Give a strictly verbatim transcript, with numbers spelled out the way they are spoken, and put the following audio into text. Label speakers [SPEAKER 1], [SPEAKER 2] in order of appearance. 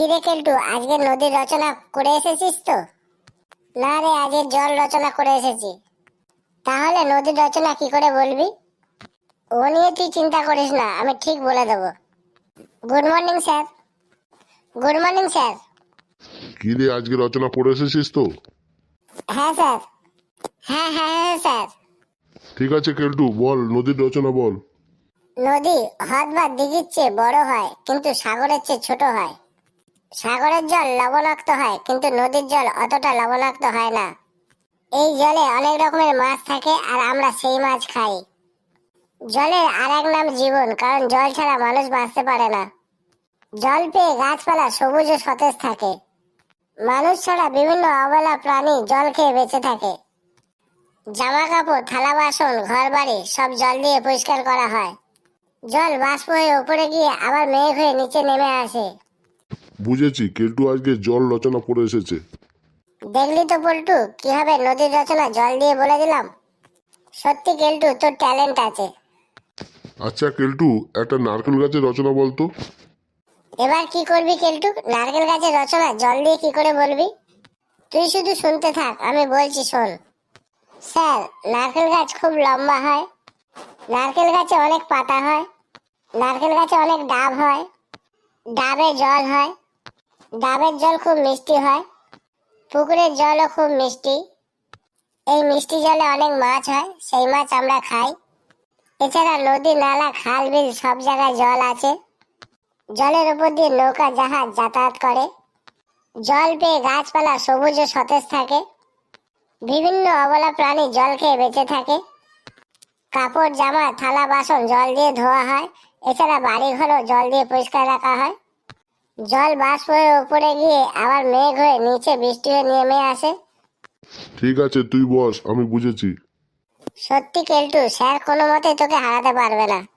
[SPEAKER 1] কিরে কেলটু, আজকে নদীর রচনা করে এসেছিস তো? না রে, আজকে জল রচনা করে এসেছি। তাহলে নদীর রচনা কি করে বলবি? ও নিয়ে তুই চিন্তা করিস না, আমি ঠিক বলে দেবো। Good morning sir. Good morning sir.
[SPEAKER 2] কি রে, আজকে রচনা পড়ে এসেছিস তো?
[SPEAKER 1] হ্যাঁ স্যার। হ্যাঁ হ্যাঁ হ্যাঁ স্যার।
[SPEAKER 2] ঠিক আছে কেলটু, বল নদীর রচনা বল।
[SPEAKER 1] নদী হ্রদ বা দিঘির চেয়ে বড় হয়, কিন্তু সাগরের চেয়ে ছোট হয়। সাগরের জল লবণাক্ত হয়, কিন্তু নদীর জল অতটা লবণাক্ত হয় না। এই জলে অনেক রকমের মাছ থাকে, আর আমরা সেই মাছ খাই। জলের আর এক নাম জীবন, কারণ জল ছাড়া মানুষ বাঁচতে পারে না। জল পেয়ে গাছপালা সবুজ ও সতেজ থাকে। মানুষ ছাড়া বিভিন্ন অবলা প্রাণী জল খেয়ে বেঁচে থাকে। জামা কাপড়, থালা বাসন, ঘর বাড়ি সব জল দিয়ে পরিষ্কার করা হয়। জল বাষ্প হয়ে উপরে গিয়ে আবার মেঘ হয়ে নিচে নেমে আসে।
[SPEAKER 2] বুঝেছি, কেলটু আজকে জল রচনা পড়ে এসেছে।
[SPEAKER 1] দেখলি তো পল্টু, কিভাবে নদীর রচনা জল দিয়ে বলে দিলাম। সত্যি কেলটু, তোর ট্যালেন্ট আছে।
[SPEAKER 2] আচ্ছা কেলটু, একটা নারকেল গাছের রচনা বলতো।
[SPEAKER 1] এবার কি করবি কেলটু? নারকেল গাছের রচনা জল দিয়ে কি করে বলবি? তুই শুধু শুনতে থাক, আমি বলছি শোন। স্যার, নারকেল গাছ খুব লম্বা হয়। নারকেল গাছে অনেক পাতা হয়। নারকেল গাছে অনেক ডাব হয়। ডাবে জল হয়। ডাবের জল খুব মিষ্টি হয়। পুকুরের জলও খুব মিষ্টি। এই মিষ্টি জলে অনেক মাছ হয়, সেই মাছ আমরা খাই। এছাড়া নদী, নালা, খাল, বিল সব জায়গায় জল আছে। জলের উপর দিয়ে নৌকা, জাহাজ যাতায়াত করে। জল পেয়ে গাছপালা সবুজ ও সতেজ থাকে। বিভিন্ন অবলা প্রাণী জল খেয়ে বেঁচে থাকে। কাপড়, জামা, থালা বাসন জল দিয়ে ধোয়া হয়। এছাড়া বাড়ি ঘরও জল দিয়ে পরিষ্কার রাখা হয়। জল বাষ্প হয়ে উপরে গিয়ে আবার মেঘ হয়ে নিচে বৃষ্টি হয়ে নেমে আসে।
[SPEAKER 2] ঠিক আছে, তুই বস, আমি বুঝেছি।
[SPEAKER 1] সত্যি কেলটু, স্যার কোনো মতে তোকে হারাতে পারবে না।